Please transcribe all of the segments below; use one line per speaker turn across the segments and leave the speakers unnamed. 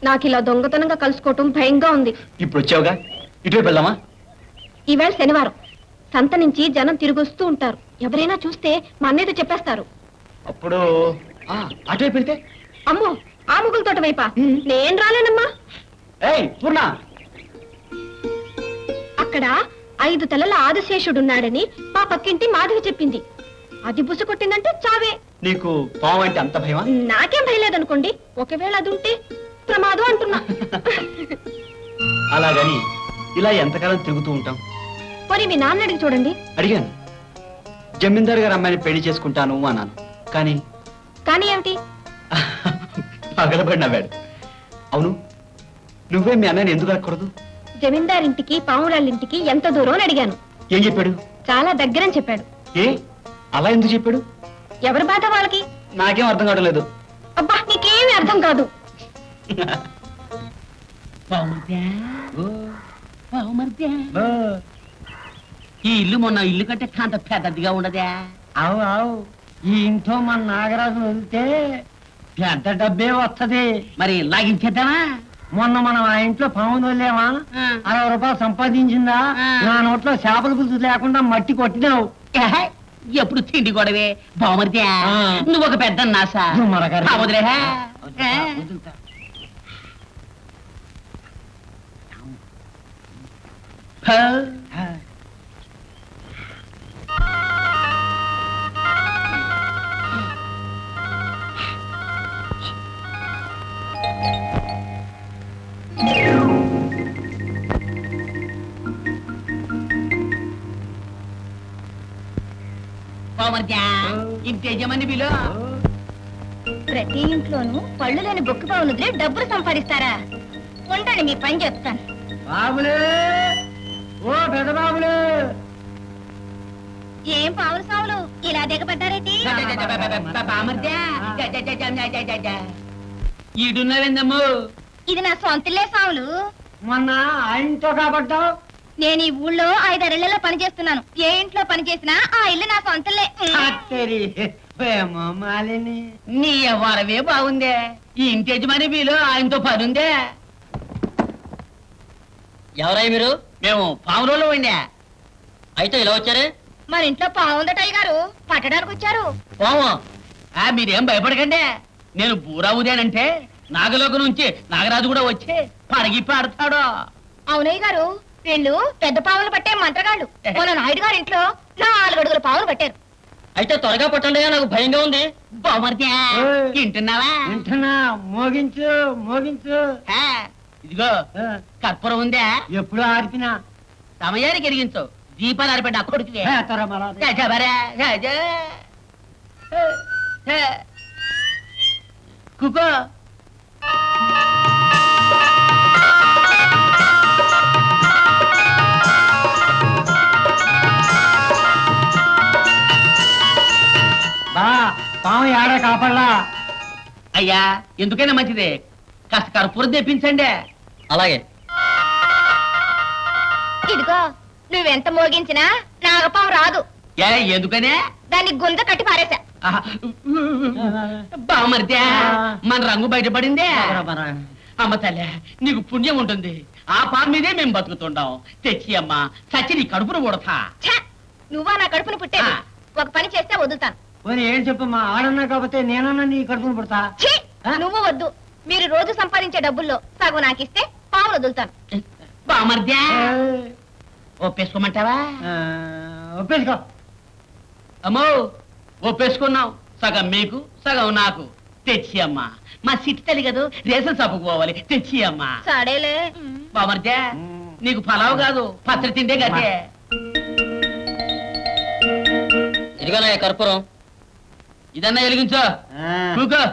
నాకు ఇలా దొంగతనంగా కలుసుకోవటం భయంగా ఉంది.
ఇప్పుడు వచ్చావుగా, ఇటువైపు వెళ్దామా?
ఈవేళ శనివారం, సంత నుంచి జనం తిరిగొస్తూ ఉంటారు. ఎవరైనా చూస్తే మా అన్నయ్యతో చెప్పేస్తారు.
అప్పుడు అటువైపు వెళ్తే?
అమ్మో, ఆ ముగ్గుల తోట వైపా? నేను రాలేనమ్మా.
ఏయ్ పూర్ణ,
అక్కడ 5 తలల ఆదిశేషుడున్నాడని మా పక్కింటి మాధవి చెప్పింది. అది బుస కొట్టిందంటే చావే.
నీకు పాము అంటే అంత భయమా?
నాకేం భయలేదనుకోండి, ఒకవేళ అది ఉంటే ప్రమాదం అంటున్నా.
అలాగని ఇలా ఎంతకాలం తిరుగుతూ ఉంటాం?
పోనీ మీ నాన్న అడిగి చూడండి.
అడిగాను, జమీందారు గారు అమ్మాయిని పెళ్లి చేసుకుంటాను అన్నాను. కానీ
కానీ ఏమిటి?
పగలబడి నవ్వాడు. అవును, నువ్వే మీ అన్నయ్యని ఎందుకు అడగకూడదు?
జమీందారింటికి పావురాళ్ళింటికి ఎంత దూరం అని అడిగాను.
ఏం చెప్పాడు?
చాలా దగ్గరని చెప్పాడు.
ఏ అలా ఎందుకు చెప్పాడు?
ఎవరి బాధ వాళ్ళకి.
నాకేం అర్థం కావడం లేదు.
అబ్బా, నీకేమీ అర్థం కాదు.
ఈ ఇల్లు మొన్న ఇల్లు కంటే కాంత పెద్దదిగా ఉండదా?
అవు అవు, ఈ ఇంట్లో మన నాగరాజు వదిలితే పెద్ద డబ్బే వస్తది.
మరి లాగించేద్దామా?
మొన్న మనం ఆ ఇంట్లో పాము వదిలేమా, 60 రూపాయలు సంపాదించిందా? నా నోట్లో చేపల పులుసు లేకుండా మట్టి కొట్టినావు.
ఎప్పుడు తిండి గొడవే బావమరిదే. నువ్వు ఒక పెద్ద నాసా వదిలే. ఇంటి యజమాని బిలో.
ప్రతి ఇంట్లోనూ పళ్ళు లేని బొక్కు పావులుదిలే డబ్బులు సంపాదిస్తారా? ఉండండి, మీ పని చెప్తాను.
బాబులే, ఓ పెద్ద బాబులే.
ఏం పావులు సావులు ఇలా దిగబడ్డారేటి?
ఈడున్నావేందమ్ము?
ఇది నా సొంతలే సావులు.
మొన్న ఆ ఇంట్లో కాబట్టావు.
నేను ఈ ఊళ్ళో 5-6 పని చేస్తున్నాను. ఏ ఇంట్లో పని చేసినా ఆ ఇల్లు నా సొంతలే.
మాలిని,
నీ వరవే బాగుందే. ఈ ఇంటి యజమాని బిలో ఆయనతో పని ఉందే. ఎవరై మీరు? మేము పావులలో ఉండే. అయితే ఇలా వచ్చారే?
మన ఇంట్లో పావుందటయ్య గారు, పట్టడానికి వచ్చారు.
పాము? మీరేం భయపడకండి. నేను బూరావుదేనంటే నాగలోక నుంచి నాగరాజు కూడా వచ్చి పడగి పాడతాడు.
అవునయ్య గారు, వీళ్ళు పెద్ద పావులు పట్టే మంత్రగాళ్ళు. మన నాయుడు గారి ఇంట్లో 4 అడుగుల పావులు పట్టారు.
అయితే త్వరగా పట్టండి, నాకు భయంగా ఉంది. బామర్దే, వింటున్నావా?
వింటున్నా. మోగించు మోగించు.
ఇదిగో కర్పూరం ఉందా?
ఎప్పుడు ఆర్పినా
సమయానికి ఎరిగించు. దీపాలు ఆరిపెట్టి అక్కడికి కుకో.
బా, పాము ఏడా కాపడలా.
అయ్యా, ఎందుకైనా మంచిదే, కాస్త కర్పూరం తెప్పించండి. అలాగే.
ఇదిగో, నువ్వెంత మోగించినా నాగపాము రాదు.
ఎందుకనే?
దాన్ని గుంజ కట్టి పారేశా.
బామర్దే, మన రంగు బయటపడిందే. అమ్మ తల్లే, నీకు పుణ్యం ఉంటుంది. ఆ పాము మీదే మేము బతుకుతుంటాం. తెచ్చి అమ్మా, చచ్చి నీ కడుపును కొడతా.
నువ్వా నా కడుపును పుట్టే? ఒక పని చేస్తే వదులుతాను.
ఏం చెప్పమ్మా, ఆడన్నా కాకపోతే నేనన్నా నీ కడుపును పుడతా.
నువ్వు వద్దు. మీరు రోజు సంపాదించే డబ్బుల్లో సగం నాకిస్తే పావులు వదులుతాను.
బామర్దే, ఒప్పేసుకోమంటావా?
ఒప్పేసుకో.
అమ్మో, ఒప్పేసుకున్నాం. సగం మీకు, సగం నాకు. తెచ్చి అమ్మా, మా సిట్టి తల్లి కదా, రేషన్ షాపుకు పోవాలి. తెచ్చి అమ్మా.
సడేలే.
బామర్దే, నీకు పలావు కాదు, పత్రి తిండే గదే. ఇదిగోనా కర్పూరం, ఇదన్నా వెలిగించో. కూకో.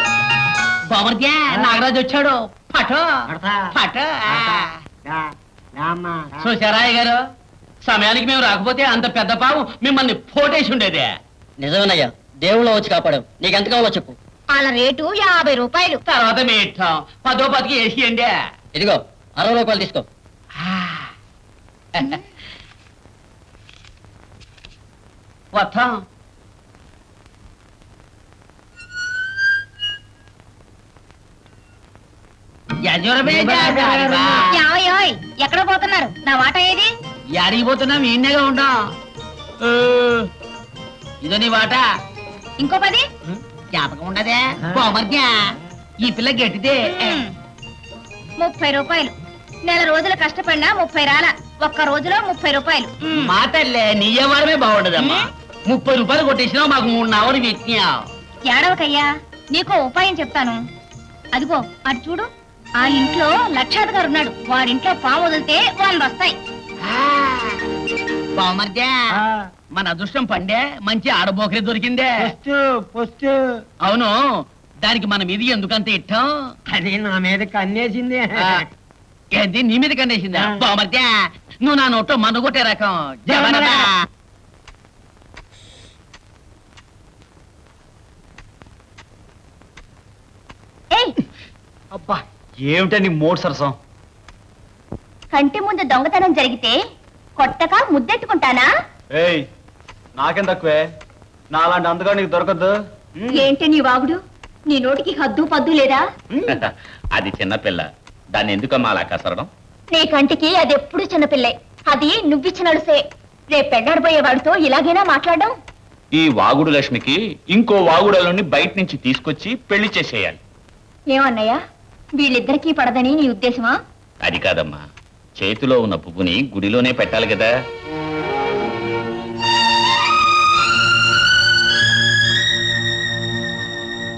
నాగరాజు వచ్చాడు. పటో పటో.
రామ్మా, రా.
చూశారాయ్ గారు సమయానికి మేము రాకపోతే అంత పెద్ద పాము మిమ్మల్ని పోటేసి ఉండేదే.
నిజమేనయ్యా, దేవుళ్ళ వచ్చి కాపాడావు. నీకెంత కావాలో చెప్పు.
వాళ్ళ రేటు 50 రూపాయలు.
తర్వాత మీ ఇష్టం 10 10కి వేసియండి.
ఇదిగో 60 రూపాయలు తీసుకో.
వస్తాం.
యావయోయ్, ఎక్కడ పోతున్నారు? నా వాటా ఏది?
యాడికి పోతున్నాం? ఈయనగా ఉంటాం. ఇదో నీ వాట.
ఇంకో 10.
జ్ఞాపకం ఉండదే బామర్ద్యా, ఈ పిల్ల గట్టిదే.
30 రూపాయలు. నెల రోజులు కష్టపడినా 30 రాల. ఒక్క రోజులో 30 రూపాయలు.
మా తల్లే నీ వ్యవహారమే బాగుండదమ్మా. 30 రూపాయలు కొట్టేసినావు, మాకు 3 నావలు పెట్టినావు.
ఏడవకయ్యా, నీకో ఉపాయం చెప్తాను. అదిగో అటు చూడు, ఆ ఇంట్లో లక్షాధికారి ఉన్నాడు. వాడింట్లో పాము వదిలితే 100 వస్తాయి.
బామర్ద్యా,
ఆ,
మన అదృష్టం పండే, మంచి ఆడబోకరే దొరికిందే.
పొస్తు, పొస్తు.
అవును, దానికి మన మీద ఎందుకంత ఇట్టం?
అది నా మీదకి అన్నేసింది.
ఆ, ఏంది నీ మీద కండేసిందా?
ఆ.
బామర్ద్యా, నువ్వు నా నోట్లో మన్ను కొట్టే రకం. జబరదా.
ఏయ్,
అబ్బా ఏమిటని మోడ్ సరసం.
కంటి ముందు దొంగతనం జరిగితే కొట్టక ముద్దెట్టుకుంటానా?
ఏయ్ నాకేం తక్కువే, నాలాంటి అందుగా నీకు దొరకద్దు.
ఏంటి నీ వాగుడు? నీ నోటికి హద్దు పద్దు లేదా?
అది చిన్నపిల్ల, దాన్ని ఎందుకమ్మా అలా కసరడం?
నీ కంటికి అది ఎప్పుడు చిన్నపిల్లే. అది నువ్విచ్చిన అడుసే. రేపు పెళ్ళాడబోయే వాడితో ఇలాగైనా మాట్లాడడం?
ఈ వాగుడు లక్ష్మికి ఇంకో వాగుడలోని బయట నుంచి తీసుకొచ్చి పెళ్లి చేసేయాలి.
ఏమన్నయ్యా, వీళ్ళిద్దరికీ పడదని నీ ఉద్దేశమా?
అది కాదమ్మా, చేతిలో ఉన్న పువ్వుని గుడిలోనే పెట్టాలి కదా.